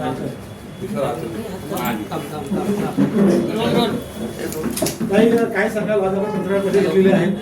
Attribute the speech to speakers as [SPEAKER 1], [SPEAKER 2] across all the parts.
[SPEAKER 1] काय सांगाल आज आपण पत्रकार परिषद घेतलेली आहे.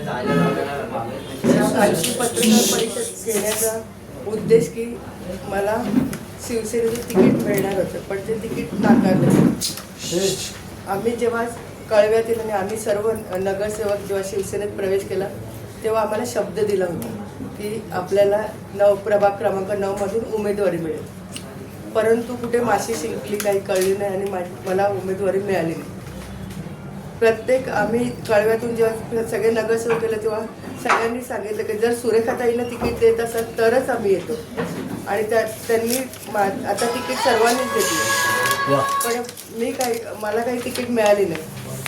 [SPEAKER 2] आजची पत्रकार परिषद घेण्याचा उद्देश की मला शिवसेनेचं तिकीट मिळणार होतं, पण ते तिकीट नाकारलं. आम्ही जेव्हा कळव्यातील आणि आम्ही सर्व नगरसेवक जेव्हा शिवसेनेत प्रवेश केला तेव्हा आम्हाला शब्द दिला होता की आपल्याला प्रभाग क्रमांक 9 मधून उमेदवारी मिळेल, परंतु कुठे माशी शिंकली काही कळली नाही आणि मला उमेदवारी मिळाली नाही. प्रत्येक आम्ही कळव्यातून जेव्हा सगळे नगरसेवक केले तेव्हा सगळ्यांनी सांगितलं की जर सुरेखाताईंना तिकीट देत असेल तरच आम्ही येतो, आणि त्यांनी आता तिकीट सर्वांनीच घेतलं, पण मला काही तिकीट मिळाली नाही.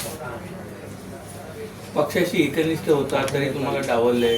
[SPEAKER 3] पक्षाशी एकनिष्ठ होता तरी तुम्हाला डावललंय.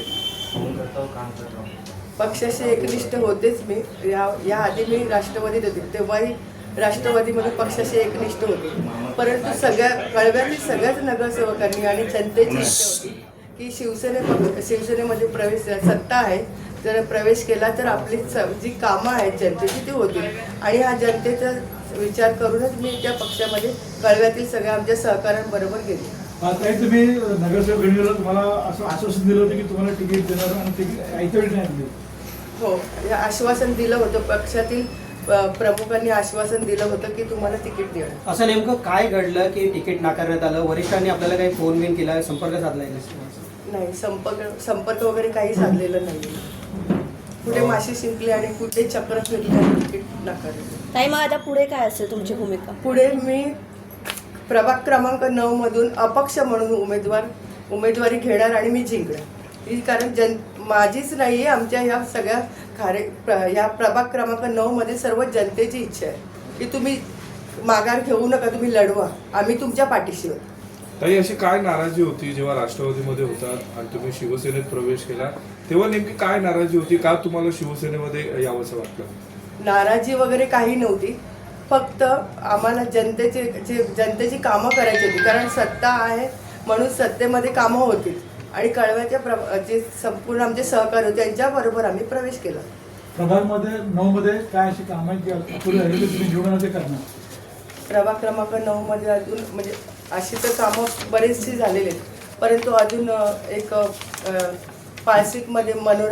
[SPEAKER 2] पक्षाशी एकनिष्ठ होतेच मी. या आधी मी राष्ट्रवादीत होते तेव्हाही राष्ट्रवादीमध्ये पक्षाशी एकनिष्ठ होते, परंतु कळव्यातील सगळ्याच नगरसेवकांनी आणि जनतेची इच्छा होती की शिवसेनेमध्ये सत्ता आहे, जर प्रवेश केला तर आपली जी कामं आहेत जनतेची ती होतील, आणि हा जनतेचा विचार करूनच मी त्या पक्षामध्ये कळव्यातील सगळ्या आमच्या सहकाऱ्यांबरोबर गेले.
[SPEAKER 1] काही तुम्ही नगरसेवक गणवेला तुम्हाला असं आश्वासन दिलं होतं की तुम्हाला तिकीट देणार आणि तिकीट ऐकवेळी नाही दिलं.
[SPEAKER 2] हो, हे आश्वासन दिलं होतं. पक्षातील प्रमुखांनी आश्वासन दिलं होतं की तुम्हाला तिकीट देणार.
[SPEAKER 4] असं नेमकं काय घडलं की तिकीट नाकारण्यात आलं? वरिष्ठांनी आपल्याला काही फोन बिन केला, संपर्क साधलाय?
[SPEAKER 2] नाही, संपर्क वगैरे काही साधलेलं नाही. कुठे माशी शिंकली आणि कुठे चक्र फिरली आणि तिकीट नाकारलं.
[SPEAKER 5] ताई, मग आता पुढे काय असेल तुमची भूमिका?
[SPEAKER 2] पुढे मी प्रभाग क्रमांक 9 मधून अपक्ष म्हणून उमेदवारी घेणार आणि मी जिंकणार. ही कारण माझीच नाही आहे, आमच्या ह्या सगळ्या ह्या प्रभाग क्रमांक 9 मध्ये सर्व जनतेची इच्छा आहे की तुम्ही माघार घेऊ नका, तुम्ही लढवा, आम्ही तुमच्या पाठीशी आहोत.
[SPEAKER 6] ताई, अशी काय नाराजी होती जेव्हा राष्ट्रवादीमध्ये होतात आणि तुम्ही शिवसेनेत प्रवेश केला तेव्हा नेमकी काय नाराजी होती? का तुम्हाला शिवसेनेमध्ये यावंसं वाटलं?
[SPEAKER 2] नाराजी वगैरे काही नव्हती, फक्त आम्हाला जनतेची कामं करायची होती, कारण सत्ता आहे म्हणून सत्तेमध्ये कामं होती, आणि कळव्याच्या जे संपूर्ण आमचे सहकारी होते त्यांच्याबरोबर आम्ही प्रवेश केला.
[SPEAKER 1] प्रभागमध्ये 9 मध्ये काय अशी कामं आहेत की पुढे तुम्ही निवडून ते करणार?
[SPEAKER 2] प्रभाग क्रमांक 9 मध्ये अजून म्हणजे अशी तर कामं बरेचशी झालेली आहेत, परंतु अजून एक पाळसिकमध्ये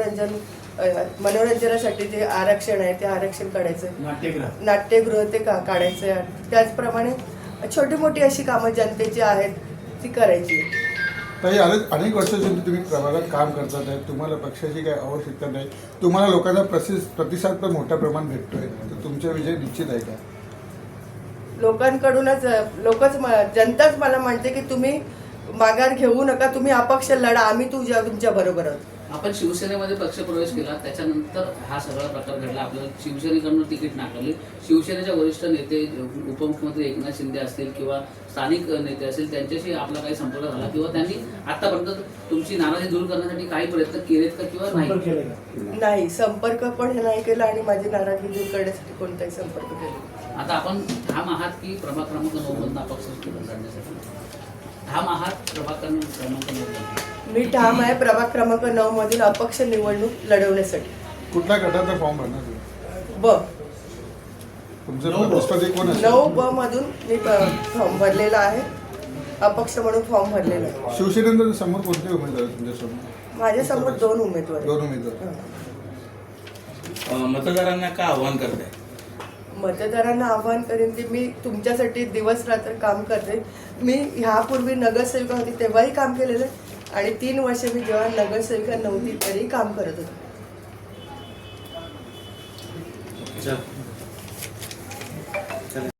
[SPEAKER 2] मनोरंजनासाठी जे आरक्षण आहे ते आरक्षण काढायचं, नाट्यगृह ते काढायचं आहे. त्याचप्रमाणे छोटी मोठी अशी कामं जनतेची आहेत ती करायची.
[SPEAKER 7] ताई, अनेक वर्षांपासून तुम्ही प्रभागात काम करतात आहे, तुम्हाला पक्षाची काही आवश्यकता नाही, तुम्हाला लोकांचा प्रतिसाद पण मोठ्या प्रमाणात भेटतोय, तर तुमचा विजय निश्चित आहे का?
[SPEAKER 2] लोकांकडूनच जनताच मला म्हणते की तुम्ही माघार घेऊ नका, तुम्ही अपक्ष लढा, आम्ही तुमच्या बरोबर आहोत.
[SPEAKER 8] आपण शिवसेनेमध्ये पक्षप्रवेश केला, त्याच्यानंतर हा सगळा प्रकार घडला. आपल्याला शिवसेनेकडून तिकीट नाकारले. शिवसेनेच्या वरिष्ठ नेते उपमुख्यमंत्री एकनाथ शिंदे असतील किंवा स्थानिक नेते असतील, त्यांच्याशी आपला काही संपर्क झाला किंवा त्यांनी आतापर्यंत तुमची नाराजी दूर करण्यासाठी काही प्रयत्न केलेत का किंवा नाही?
[SPEAKER 2] नाही, संपर्क पण नाही केला आणि माझी नाराजी दूर करण्यासाठी कोणताही संपर्क केला.
[SPEAKER 8] आता आपण ठाम आहात की प्रभाग क्रमांक 9 मधून अपक्ष लढण्यासाठी ठाम आहात? प्रभाग क्रमांक 9
[SPEAKER 2] मी ठाम आहे प्रभाग क्रमांक 9 मधील अपक्ष निवडणूक लढवण्यासाठी.
[SPEAKER 7] कुठल्या गटाचा फॉर्म भरणार?
[SPEAKER 2] ब
[SPEAKER 7] तुमचं कोण आहे?
[SPEAKER 2] 9 मधून मी फॉर्म भरलेला आहे, अपक्ष म्हणून फॉर्म भरलेला आहे.
[SPEAKER 7] शिवसेनेच्या समोर कोणते उमेदवार तुमच्यासमोर?
[SPEAKER 2] माझ्यासमोर 2 उमेदवार.
[SPEAKER 7] 2 उमेदवार.
[SPEAKER 3] मतदारांना का आव्हान करताय?
[SPEAKER 2] मतदारांना आव्हान करेन की मी तुमच्यासाठी दिवस रात्र काम करते. मी ह्यापूर्वी नगरसेविका होती तेव्हाही काम केलेलं आहे, आणि 3 वर्ष मी जेव्हा नगरसेविका नव्हती तरी काम करत होते.